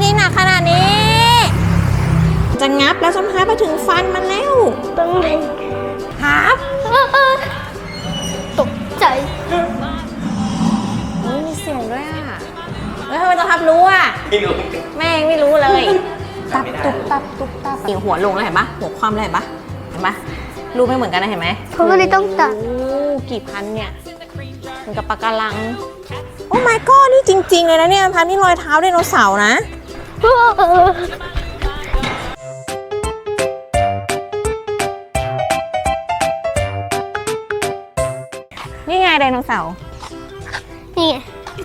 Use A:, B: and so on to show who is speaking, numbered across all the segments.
A: หนักขนาดนี้ จะงับแล้วส้มฮับไปถึงฟันมันแล้ว
B: ต้องไหน
A: ฮับ
B: ตกใจ
A: มีเสียงด้วยอ่ะแล้วทำไมต้องฮับรู้อ่ะไม่รู้แม่งไม่รู้เลยตับตุ๊บตับตุ๊บตับหัวลงแล้วเห็นปะหัวคว่ำแล้วเห็นปะรูปไม่เหมือนกันนะเห็นไหม
B: เขาก็เลยต้องตัด
A: กี่พันเนี่ยเหมือนกับปะการังโอ้ my god นี่จริงๆเลยนะเนี่ยพันนี่รอยเท้าไดโนเสาร์นะนี่ไงไดโนเสาร์
B: นี่ไง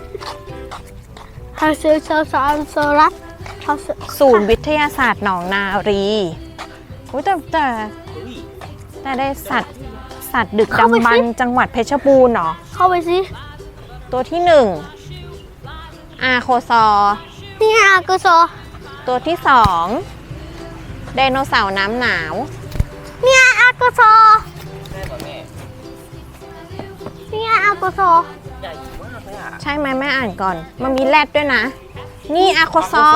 B: เขาซื้อโซลัส
A: ศูนย์วิทยาศาสตร์หนองนารีแต่ได้สัตว์ดึกดำบรรพ์จังหวัดเพชรบูรณ์เหรอ
B: เข้าไปสิ
A: ตัวที่1อาโคซอ
B: นี่ไงอาโคซอ
A: ตัวที่2ไดโนเสาร์น้ำหนาว
B: นี่ไงอาโคซอนี่ไงอาโคซอ
A: ใช่ไหมแม่อ่านก่อนมันมีแรดด้วยนะนี่อาโคซอ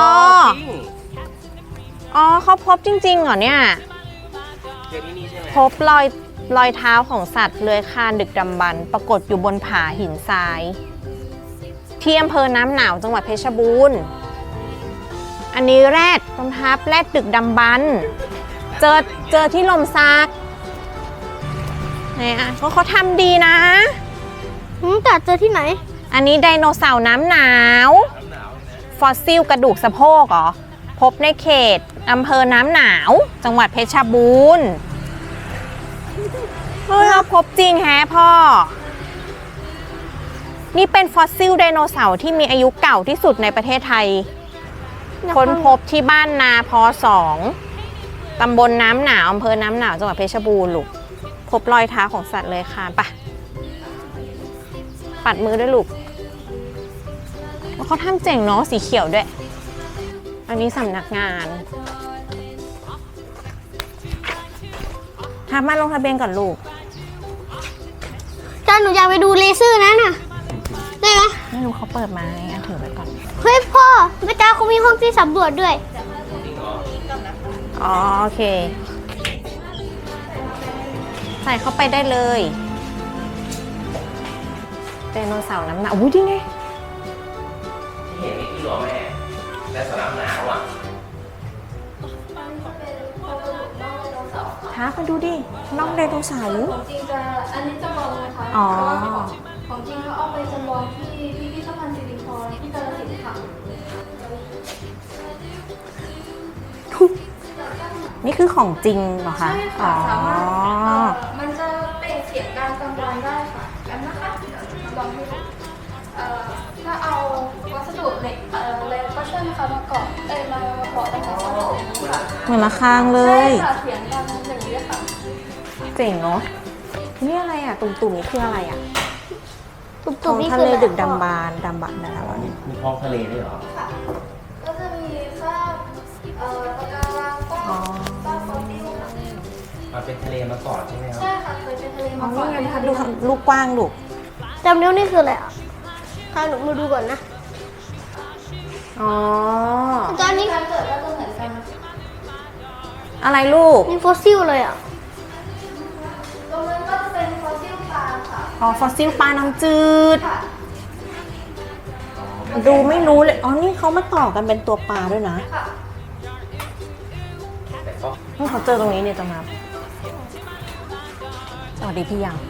A: อ๋อเขาพบจริงๆเหรอเนี่ยพบรอยเท้าของสัตว์เลื้อยคลานดึกดำบรรพ์ปรากฏอยู่บนผาหินทรายที่อำเภอน้ำหนาวจังหวัดเพชรบูรณ์อันนี้แรดรองเท้าแรดดึกดำบรรพ์เจอที่ลมซักไหนอ่ะเขาทำดีนะ
B: แต่เจอที่ไหน
A: อันนี้ไดโนเสาร์น้ำหนาวฟอสซิลกระดูกสะโพกเหรอพบในเขตอำเภอน้ำหนาวจังหวัดเพชรบูรณ์เราพบจริงแฮะพ่อนี่เป็นฟอสซิลไดโนเสาร์ที่มีอายุเก่าที่สุดในประเทศไทยค้นพบที่บ้านนาพ2ตำบลน้ำหนาวอำเภอน้ำหนาวจังหวัดเพชรบูรณ์ลูกพบรอยเท้าของสัตว์เลื้อยคลานปะปัดมือด้วยลูกเขาทำเจ๋งเนาะสีเขียวด้วยอันนี้สำนักงานมาลงทะเบียนก่อนลูก
B: จ้าหนูอยากไปดูเลเซอร์นะน่ะได้ไหม
A: ไม่รู้เขาเปิดมาไงถือไว้ก่อน
B: เฮ้ยพ่อแม่จ้าเขามีห้องที่สำรวจด้วย
A: อ๋อโอเคใส่เข้าไปได้เลยไดโนเสาร์น้ำหนาวอุ้ยดีไง
C: เห็นนี่คือหรอแม่แต่สนามหนาวอ่ะ
A: ท้ามาดูดิน้องไดโนเสาร์
D: ของจริงจะอันนี้จำลองนะคะของจริงเขาเอาไปจำลองที่พิพิธภัณฑ์สิรินธรที่กาฬสินธุ์ค่ะ
A: นี่คือของจริงเหรอคะ
D: ใช่ค่ะสามารถมันจะเปล่งเสียงการจำลองได้ค่ะกันนะคะเดี๋ยวจำลองให้ดูถ้าเอาวัสดุเหล็กแล้วก็เชื่อมนะคะมาเกาะมาเกาะเป็นวัสดุค่ะ
A: เหมือนระฆังเล
D: ยใช่ค่ะเสียงดังอย่างนี้ค่ะ
A: เจ๋งเนาะนี่อะไรอ่ะตุ่มๆนี่คืออะไรอ่ะ
B: ตุ่มๆนี่
A: ทะ
B: คือ
A: เลดึกดำบรรพ์อะไร
C: มีท้องทะเลด้วยเหรอ
D: ค่ะก็จะมีซากปะการังซากฟอสซิลค่ะ
C: มันเป็นทะเลมาก่อนใช่ไหมครับ
D: ใช่ค่ะเคยเป็นทะเลมาก่อน
A: นี่ไงดูลูกกว้างลูก
B: จำนิ้วนี่คืออะไรอ่ะถ้าหนูมาดูก่อนนะ
A: อ๋อ
D: ตอนนี้การเกิดก็จะเหมือนกัน
A: อะไรลูก
B: มีฟอสซิลเลยอ่ะ
D: ตรงนั้นก็จะเป็นฟอสซิลปลาค่ะ
A: อ๋อฟอสซิลปลาน้ำจืด
D: ค่ะ
A: ดูไม่รู้เลยอ๋อนี่เขามาต่อกันเป็นตัวปลาด้วยนะ
D: ค่ะ
A: นี่เขาเจอตรงนี้เนี่ยตรงนั้นสวัสดีพี่ยัง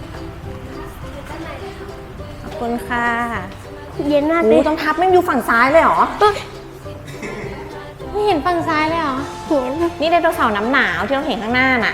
A: ขอบคุณค่ะ
B: เย็นมาก
A: เลยต้องทับไม่อยู่ฝั่งซ้ายเลยเหรอไม่เห็นฝั่งซ้ายเลยเหรอ
B: เห็น
A: นี่ไดโนเสาร์น้ำหนาวที่เราเห็นข้างหน้าน่ะ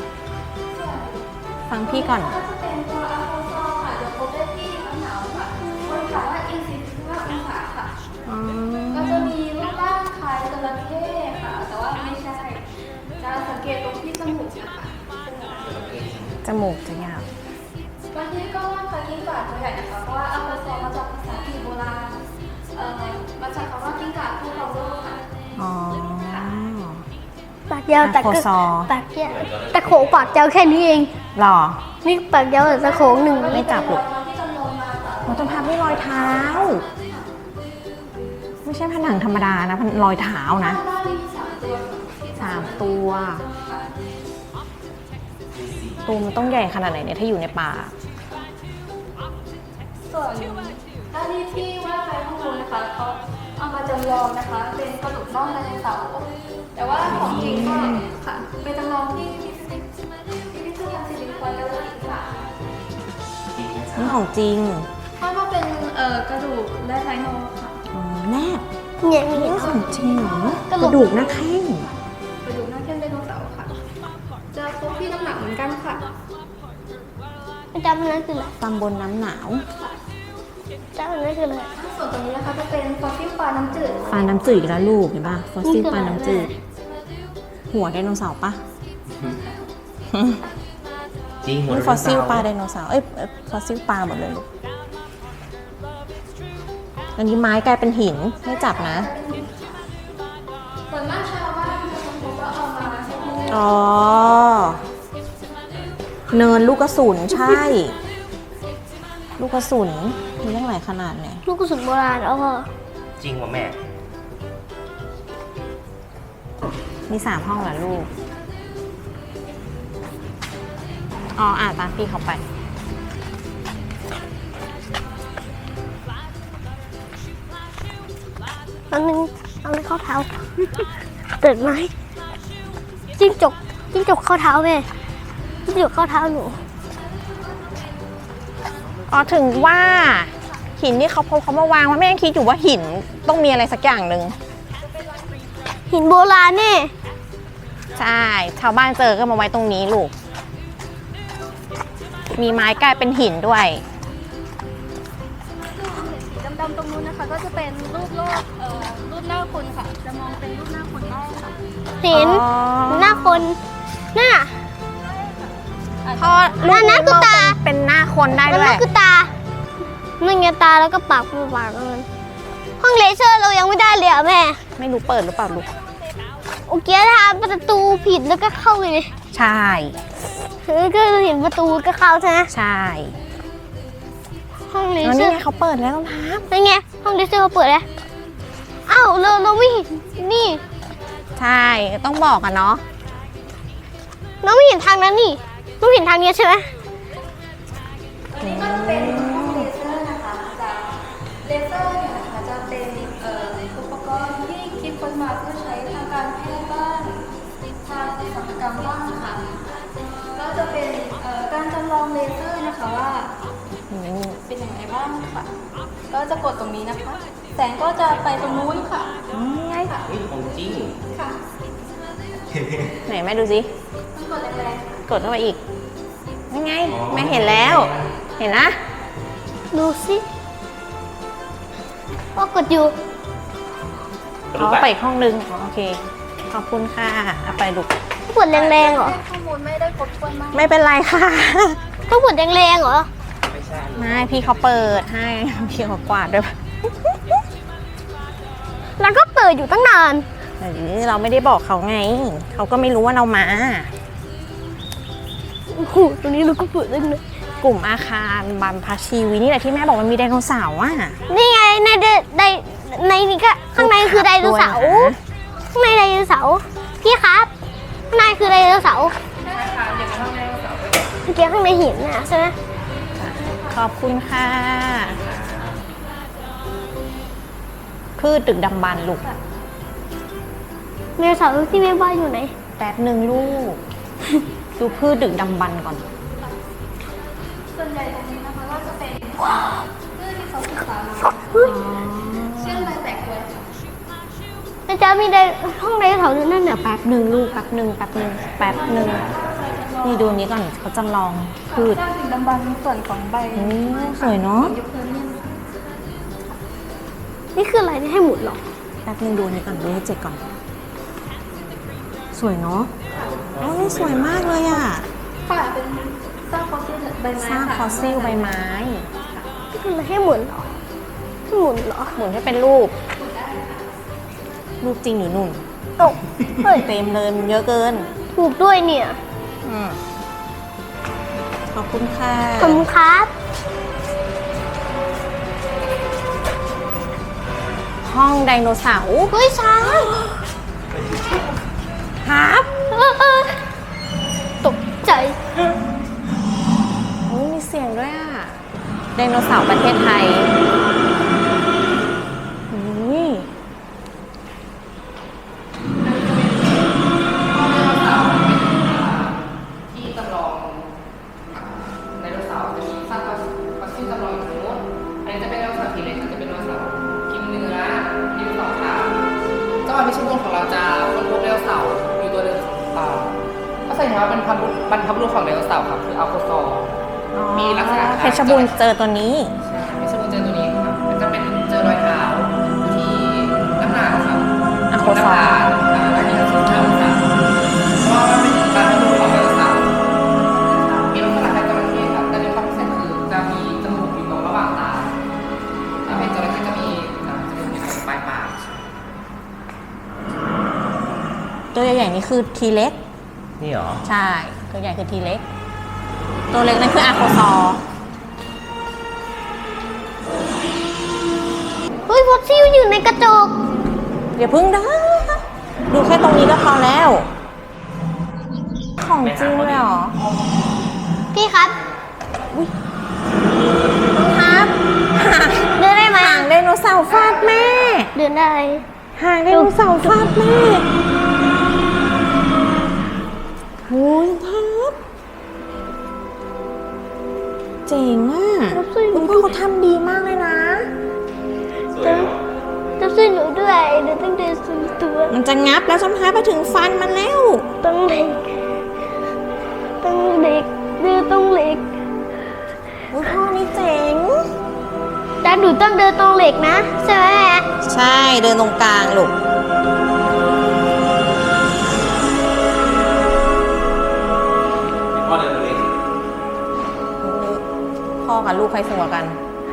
A: ฟังพี่ก่อน
D: ก็จะเป็นตัวอะโคซอค่ะเดี๋ยวพบได้ที่น้ำหนาวค่ะบนเขาว่า45 องศาค่ะก็จะมีรูปร่างคล้ายจระเข้ค่ะแต่ว่าไม่ใช่จะสังเกตตรงที่จมูกนะคะ
A: จมูกจะยาว
D: บางทีก็ว่าคล้ายกิ้งก่าตัวใหญ่นะคะเพราะว่าอะโคซอมาจากภาษาอังกฤษโบราณมาจากคำว่ากิ้งก่าผู้ครองโลกค่ะ
A: อ๋อ
B: ปากยาวแต่ก็ปากยาวตะโขงปากยาวแค่นี้เอง
A: หรอ
B: นี่ปากยาวแต่ตะโขงหนึ่ง
A: ไม่จับหรอกเราต้องพับด้วยรอยเท้าไม่ใช่ผนังธรรมดานะรอยเท้านะ
D: บ้านมี3 ตัวที่
A: 3 ตัวตัวมันต้องใหญ่ขนาดไหนเนี่ยถ้าอยู่ในป่า
D: ส่วนด้านนี้ที่ว่าไปข้างบนนะคะเขาเอามาจำลองนะคะ เป็นกระดูกน่องไดโนเสาร์แต่ว่าของจริงก็ค่ะเป็นจำลองที่พิพิธภัณฑ์สิริวัณและวัฒนศาสตร์
A: นี่ของจริง
D: เพราะว่าเป็นกระดูกและไดโนค่ะ
A: อ๋อแนบ
B: เนี่ยมี
A: นี่ของจริงเหรอก
B: ระ
A: ก
B: ดูก
A: ระดูกหน้าแข้ง
D: กระดูกหน้าแข้งไดโนเสาร์ค่ะ จะพบที่น้ำหนักเหมือนกันค่ะ
B: จำนั้นคืออะไร
A: ตำบลน้ำหนาว
B: จำนั้นคืออะไร
D: ส่วนตรงนี้นะคะจะเป็นฟอสซิลปลาน้ำจืด
A: ปลาน้ำจืดอีกแล้วลูกเห็นป่ะฟอสซิลปลาน้ำจืด หัวไดโนเสาร์ปะ
C: จริงหัว
A: นี่ฟอสซิลปลาไดโนเสาร์ฟอสซิลปลาหมดเลยลูกอันนี้ไม้กลายเป็นหินไม่จับนะ
D: ส่วนมากชาวบ้านจะค้นพบว่าเอามาใช้ที่นี่
A: อ๋อ เนินลูกกระสุนใช่ ลูกกระสุนมีตั้งหลายขนาดเนี่ย
B: ลูกกระสุนโบราณแล้วก็
C: จริงว่ะแม่
A: มี3 ห้องเหรอลูก อ๋อตามพี่เขาไป
B: อันนึงเอาเลยเข้าเท้า เติดไหมจิ้งจกเข้าเท้าแม่จิ้งจกเข้าเท้าหนู
A: อ๋อถึงว่าหินที่เขาพบเขามาวางว่าแม่ยังคิดอยู่ว่าหินต้องมีอะไรสักอย่างหนึ่ง
B: หินโบราณนี่
A: ใช่ ชาวบ้านเจอก็มาไว้ตรงนี้ลูก มีไม้กลายเป็นหินด้วย
D: สีดำๆตรงนู้นนะคะ ก็จะเป็นรูปโลกรูปหน้าคนค่ะ จะมองเป็นรูปหน้าคนได้ค่ะ
B: หิน
A: อ๋อ
B: หน้าคนหน้า
A: พอลูก
B: อันนั้นคือตา
A: เป็นหน้าคนได้
B: แล้ว
A: ด้ว
B: นั่
A: ย
B: นคือตานั่นไงตาแล้วก็ปากมันห้องเลเซอร์เรายังไม่ได้เลยอ่ะแม่
A: ไม่รู้เปิดหรือเปล่าลูก
B: โอเคทำประตูผิดแล้วก็เข้าไปเลย
A: ใช่
B: ก็เห็นประตูก็เข้าใช่ไหม
A: ใช่
B: ห้องเล
A: แล้ว
B: เซอ
A: นี่
B: ร์
A: ไงเขาเปิดแล้วต้องท
B: เป็นไงห้องเลเซอร์เขาเปิดแล้วอ้าวเราไม่เห็นนี่
A: ำใช่ ต้องบอกอะเนาะ
B: เราไม่เห็นทางนั้นนี่เราเห็นทางนี้ใช่ไหม
D: อันนี้ก็จะเป็นห้องเลเซอร์นะคะจะเลเซอร์เนี่ยนะคะจะเป็นอุปกรณ์ที่คิดค้นมาเพื่อใช้ทางการแพทย์บ้างทางอุตสาหกรรมบ้างค่ะก็จะเป็นการจำลองเลเซอร์นะคะว่าเป็นยังไงบ้างค่ะ ก็จะกดตรงนี้นะคะ แสงก็จะไปตรงนู้นค่ะ
A: ไง
D: ค่ะ
C: เฮ้ยของจริง
D: ค่ะ
A: ไหนแม่ดูสิ
D: ต้องกดแรงๆ
A: กดเข้าไปอีกยังไงแม่เห็นแล้ว เห็นนะ
B: ดูสิว่ากดอยู่
A: อ๋อไปอีกห้องนึงอ๋อโอเค ขอบคุณค่ะเอาไปลูก
B: ต้องกดแรงๆเหรอ
D: ข้อมูลไม่ได้ครบถ้วนมาก
A: ไม่เป็นไรค่ะ
B: ต้องกดแรงๆเหรอ
C: ไม่ใช่
A: ไม่พี่เขาเปิดให้ พี่เขากวาดด้วย
B: แล้วก็เปิดอยู่ตั้งนาน
A: เออเราไม่ได้บอกเขาไง เขาก็ไม่รู้ว่าเรามา
B: โอ้โหตรงนี้เราก็เปิดได้เลย
A: กลุ่มอาคารบัมพชีวินี่แหละที่แม่บอกมันมีไดโนเสาร์อ่ะ
B: นี่ไงในนี่ก็ข้างในคือไดโนเสาร์
A: ด้วยนะ
B: ข้างในไดโนเสาร์พี่ครับข้างในคือไดโนเสาร์เมื่อกี้ข้างในหินน่ะใช่ไหม
A: ขอบคุณค่ะ พืชดึกดำบรรพ์ลูก
B: ไดโนเสาร์ที่แม่ว่าอยู่ไหน
A: แป๊บหนึ่งลูก ดูพืชดึกดำบรรพ์ก่อน
D: ส่วนใหญ่ตรงนี้นะคะก็จะเป็นพืชที่เขาศึกษามาเช่นใบแตกกล้วยค่ะ
B: นะจ๊ะมีห้องไดโนเสาร์อยู่นั่นน่ะ
A: แป๊บหนึ่งลูกแป๊บหนึ่งแป๊บหนึ่งแป๊บหนึ่งนี่ดูอันนี้ก่อนเขาจำลองพืช
D: ด้านถึงดำบรรพ์ส่วนของใบ
A: โอ้สวยเนาะ
D: ยุคเพอร์เมียน
B: นี่คืออะไรนี่ให้หมุนเหรอ
A: แป๊บหนึ่งดูอันนี้ก่อนดูให้เจ็ดก่อน สวยเนาะโอ้ยสวยมากเลยอ่ะ
D: ค่ะเป็นซากฟอสซิลใบไม้
A: ซาก
D: ค่ะ
A: ฟอสซิลใบไม้
B: นี่คืออะไรให้หมุนเหรอให้หมุนเหรอ
A: หมุนให้เป็นรูป รูปจริงหรือนุ่น
B: ตกเฮ้ย
A: เต็มเลยมันเยอะเกิน
B: ถูกด้วยเนี่ย
A: อืมขอบคุณค่ะ
B: ขอบคุณครับ
A: ห้องไดโนเสาร์
B: เฮ้ยช้าง
A: ครับ
B: ตกใจ
A: โอ้ยมีเสียงด้วยอ่ะ ไดโนเสาร์ประเทศไทยอุ้ย
C: ที่จำลองไดโนเสาร์จะมีซากฟอสซิลจำลองอยู่ตรงนู้นอันนี้จะเป็นไดโนเสาร์ทีเล็กจะเป็นไดโนเสาร์กินเนื้อมีสองขาจังหวัดเพชรบูรณ์ของเราจะค้นพบไดโนเสาร์อยู่ตัวหนึ่งก็แสดงว่าเป็นบรรพบุรุษของไดโนเสาร์ครับคืออัลโคซอร์ มีลักษณะคล้าย
A: เพชรบูรณ์เจอตัวนี้
C: ใช่เพชรบูรณ์เจอตัวนี้ครับมันจะเป็นเจอรอยเท้าที่น้ำหนักครับ
A: อัลโคซอร์
C: อันนี้คือเท้าครับเพราะว่ามันเป็นการทำรูปของไดโนเสาร์มีลักษณะคล้ายจระเข้ครับแต่ในความพิเศษคือจะมีจมูกอยู่ตรงระหว่างตาถ้าเป็นจระเข้จะมีจมูกอยู่ตรงปลายปาก
A: ตัวใหญ่ๆนี่คือทีเล็ก
C: นี่หรอ
A: ใช่ ตัวใหญ่คือทีเล็ก ตัวเล็กนั่นคืออาโคซอร์
B: เฮ้ยฟอสซิลอยู่ในกระจก
A: อย่าพึ่งนะดูแค่ตรงนี้ก็พอแล้ว ของจริงเลยเหรอ
B: พี่ครับ
A: ครับ
B: เดินได้ไหม
A: หางไดโนเสาร์ฟาดแม่
B: เดินได้
A: หางไดโนเสาร์ฟาดแม่โอ้ยครับเจ๋งอ่ะคุณพ่อเขาทำดีมากเลยนะ
B: ต้องช่วยหนูด้วยหนูต้องเดินสูงตัว
A: มันจะงับแล้วจำท้ายไปถึงฟันมันแล้ว
B: ต้องเหล็กต้องเหล็กเดินต้องเหล็ก
A: อุ๊ยพ่อนี่เจ๋ง
B: แต่หนูต้องเดินตรงเหล็กนะใช่ไหม
A: ใช่เดินตรงกลางลูกพ่อเดินตรงนี้พ่อกับลูกใครสูงกว่ากัน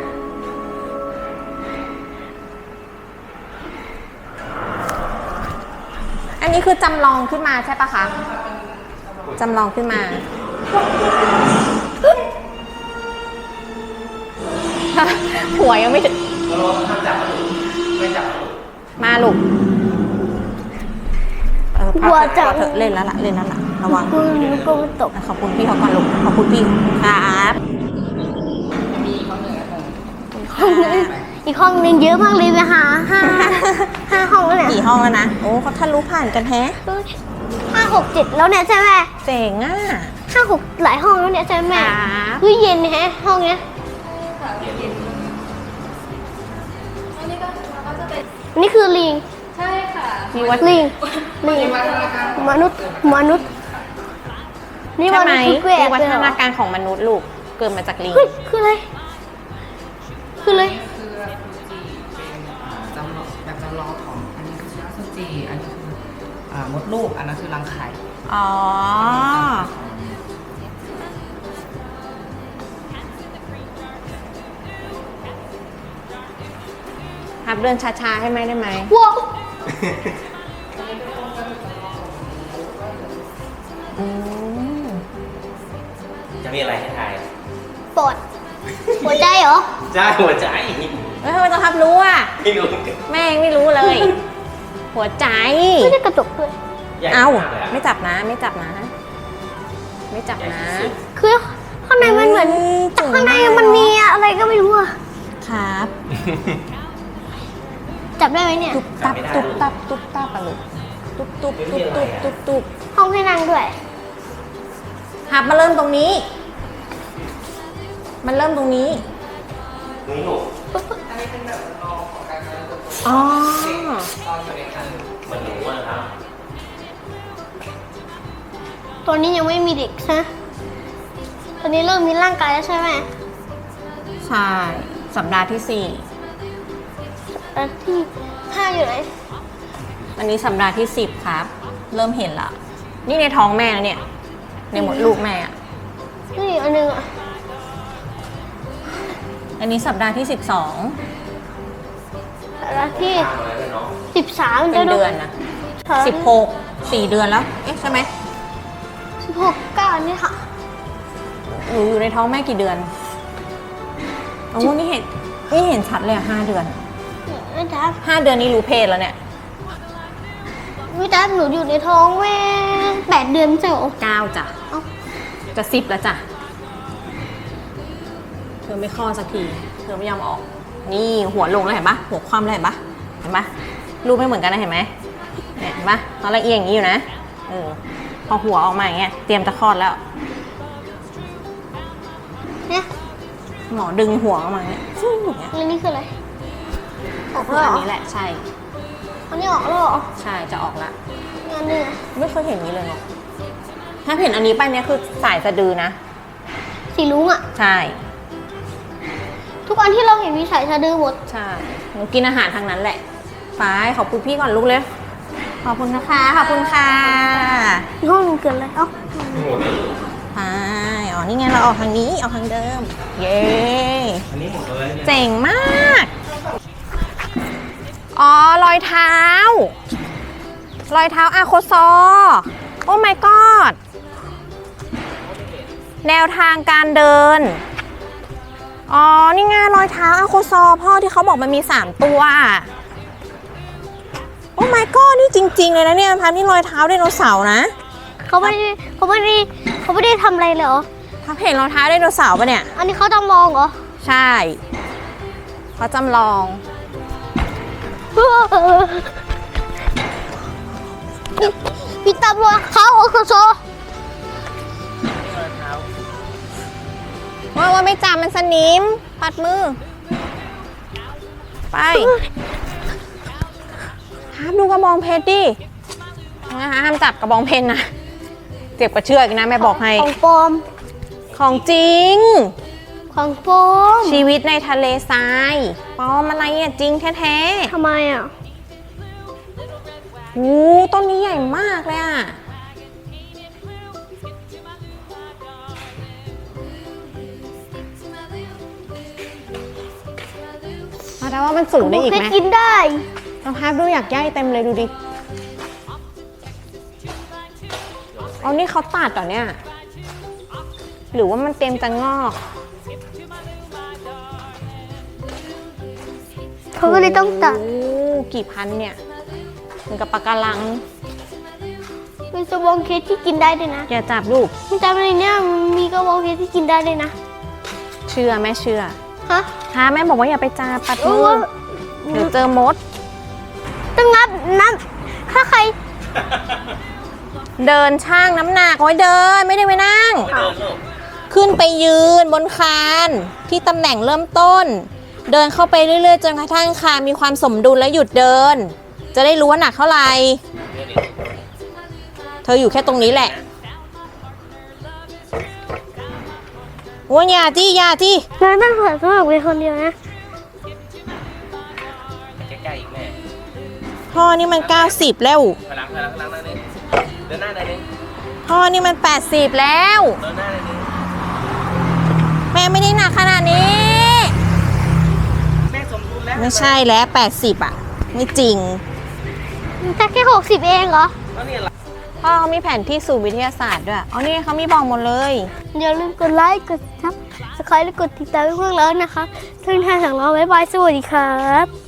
A: อันนี้คือจำลองขึ้นมาใช่ปะคะ จำลองขึ้นมา หัวยังไม่ถึง
C: เราห้ามจับไม่จับ
A: มาลูกพักเถอะเล่นแล้วล่ะ เล่นแล้วล่ะ ระวัง
B: กูหนูก็ไม่ตก
A: ขอบคุณพี่เขาก่อนลูก ขอบคุณพี่ครับ
C: มีข้อหนึ่งนะผม
B: ห้องนึงอีกห้องนึงเยอะมากเลยไปหาห้าห้องแล้วเนี่ย
A: กี่ห้องแล้วนะ โอ้เขาทะลุผ่านกันแฮะ
B: 5 6 7แล้วเนี่ยใช่ไหม
A: เจ๋งอ่ะ
B: 5 6หลายห้องแล้วเนี่ยใช่ไหม
A: ครับ
B: เฮ้ยเย็นแฮะห้องเนี้ย
D: อันนี้ก็จะเป็น
B: อันนี่คือลิง
D: ใช่ค่ะ
A: มีวัด
B: ลิง
C: มี
B: ลิง
C: วัฒนาการ
B: มนุษย์มนุษย์นี่
A: ใช่
B: ม
A: ไหม
B: นุษย์คือแก
A: มี
B: ะ
A: วั
B: เลย
A: ฒ
B: เหรอ
A: นาการของมนุษย์ลูก เกิดมาจากลิง
B: เฮ้ยคืออะไรคืออะไร
C: คือฟูจิเป็นจำลองแบบจำลองของอันนี้คือชิราซูจิอันนี้คือมดลูกอันนั้นคือรังไข่
A: อ๋อ ครับเดินช้าๆให้ไหมได้ไหม
B: ว้าว
A: อืม
C: จะมีอะไรให้ทาย
B: ปอดหัวใจเหรอ
C: ใช่หัวใจ
A: เฮ้ยทำไมต้องทับรู้อ่ะ
C: ไม่รู้
A: แม่ยังไม่รู้เลย หัวใจ
B: ไม่ได้กระจกด้วย
A: เอ้า
C: ใหญ่มกลยะ
A: ไม่จับนะ ไม่จับนะ ไม่จับนะ
B: คือข้างในมันเหมือน
A: เฮ้ย
B: แต่ข้างใน
A: เจ๋งมาก
B: มันมีอะไรก็ไม่รู้อะ
A: ครับ
B: จับได้ไหมเนี่ย
A: ตุ๊บตับตุ๊บตับตุ๊บตับอะลูกตุ๊บตุ๊บตุ๊บตุ๊บตุ๊บตุ๊บ
B: ห้องให้นั่งด้วย
A: ครับมาเริ่มตรงนี้ มันเริ่มตรงนี้
C: นี่ลูกอันนี้เป็นแบบจำลองของการเติบโต
A: อ๋อ
C: ตอนอยู่ในคันเหมือนหนูอะครับ
B: ตอนนี้ยังไม่มีเด็กใช่ไหมตอนนี้เริ่มมีร่างกายแล้วใช่ไหม
A: ใช่ สัปดาห์ที่
B: แล้วที่5อยู่ไหน
A: 4 อันนี้สัปดาห์ที่ 10 ครับ เริ่มเห็นละ นี่ในท้องแม่แล้วเนี่ย ในหมดลูกแม่อะ
B: นี่อันนึงอะ
A: อันนี้สัปดาห์ที่
B: แล้วที่
C: ตามอะไรเลยเนาะ
A: 12
B: 13
A: เป็นเดือนนะ 16 4 เดือนแล้ว เอ๊ะใช่ไหม
B: 16 9นี่ค่ะ
A: หนูอยู่ในท้องแม่กี่เดือนโอ้นี่เห็นชัดเลยอะ5 เดือน
B: อไม่ทับ
A: 5 เดือนนี้รู้เพศแล้วเนี่ย
B: ไม่ทับหนูอยู่ในท้องแม่8 เดือนเจ้า
A: 9จ้ะ
B: เอ้า
A: จะ10แล้วจ้ะเธอไม่คลอดสักทีเธอไม่ยอมออก นี่หัวลงแล้วเห็นปะหัวคว่ำแล้วเห็นปะเห็นปะรูปไม่เหมือนกันนะเห็นไหมเนี่ยเห็นปะตอนแรกเอียงอย่างนี้อยู่นะพอหัวออกมาอย่างเงี้ยเตรียมจะคลอดแล้ว
B: เนี่ย
A: หมอดึงหัวออกมาเนี่ยฟู่อย่างเงี้ย
B: แล้วนี่คืออะไรออก
A: คื
B: แล้
A: อ
B: วเหร
A: อัน
B: อ
A: นี้แหละใช่
B: อันนี้ออกแล้วเหรอ
A: ใช่จะออกละ
B: งานนี่ไง
A: ไม่เคยเห็นนี้เลยเนาะถ้าเห็นอันนี้ไปเนี่ยคือสายสะดือนะ
B: สีลุงอ่ะ
A: ใช่
B: ทุกอันที่เราเห็นมีสายสะดือหมด
A: ใช่หนูกินอาหารทางนั้นแหละไปขอบคุณพี่ก่อนลูกเลยขอบคุณนะคะขอบคุณค่ะ
B: ห้องหนูเกิดอะไรเอ้า
A: ไปอ๋อนี่ไงเราออกทางนี้ออกทางเดิม เย้
E: อันนี้หมดเลยเนี่ย
A: เจ๋งมากอ๋อรอยเท้ารอยเท้าอาโคซอโอ้ my god แนวทางการเดิน อ๋อ นี่ไงรอยเท้าอาโคซอพ่อที่เขาบอกมันมี 3 ตัว โอ้ my god นี่จริง ๆ เลยนะเนี่ยพันนี่รอยเท้าไดโนเสาร์นะ
B: เขาไม่ได้ทำอะไรเลยเหรอ
A: พับเห็นรองเท้าไดโนเสาร์ปะเนี่ย
B: อันนี้เขาจำลองเหรอ
A: ใช่เขาจำลอง
B: พี่ตำรวจเขาโอโคโซ
A: ว่าไม่จับมันสนิม ปัดมือ ไปห้ามดูกระบองเพชรดินะคะห้ามจับกระบองเพชรนะ เจ็บกระเชือกนะแม่บอกให้
B: ของปลอม
A: ของจริง
B: ของปลอม
A: ชีวิตในทะเลทรายปลอมอะไรอ่ะจริงแท้
B: ทำไมอ่ะ
A: ๆโอ้ต้นนี้ใหญ่มากเลยอ่ะ แต่ว่ามันสูงได้อีก
B: เพ
A: ไหม
B: ชรกินได้
A: ลองพับดูอยากย่ายเต็มเลยดูดิเอานี่เขาตัดเหรอเนี่ย หรือว่ามันเต็มจะงอก
B: เขาก็เลยต้องตัด
A: โอ้กี่พันเนี่ยเหมือนกับปะการัง
B: เป็นกระบองเพชรที่กินได้ด้วยนะ
A: อย่าจับลูก
B: มันจำอะไรเนี่ยมีกระบองเพชรที่กินได้ด้วยนะ
A: เชื่อแม่เชื่อ
B: ฮะ
A: ฮะแม่บอกว่าอย่าไปจับปัดมือเดี๋ยวเจอมด
B: ต้องนับถ้าใคร
A: เดินช่างน้ำหนักไว้เดินไม่ได้ไปนั่ง ขึ้นไปยืนบนคานที่ตำแหน่งเริ่มต้น เดินเข้าไปเรื่อยๆจนกระทั่งคานมีความสมดุลและหยุดเดิน จะได้รู้ว่าหนักเท่าไหร่เธออยู่แค่ตรงนี้แหละโอ้ยอย่าจี้อย่าจี้
B: เราต้องเปิดสมัครเป็นคนเดียวนะ
E: ใกล้ๆอีกแม่
A: พ่อนี่มัน90แล้ว
E: พลังหน้านึงเดินหน้าหน่อยนึง
A: พ่อนี่มัน80แล้ว
E: เดินหน้าหน่อยนึง
A: แม่ไม่ได้หนักขนาดนี้
E: แม่สมดุลแล้ว
A: ไม่ใช่แล้ว80อ่ะไม่จริง
B: แต่แค่60เองเหรอ
E: แล้วเนี่ย
A: พ่อเขามีแผนที่สู่วิทยาศาสตร์ด้วยอ๋อนี่เขามีบอกหมดเลย
B: อย่าลืมกดไลค์ กดซับสไครต์และกดติดตามให้พวกเรานะคะทุกท่านสั่งเราบ๊ายบาย สวัสดีครับ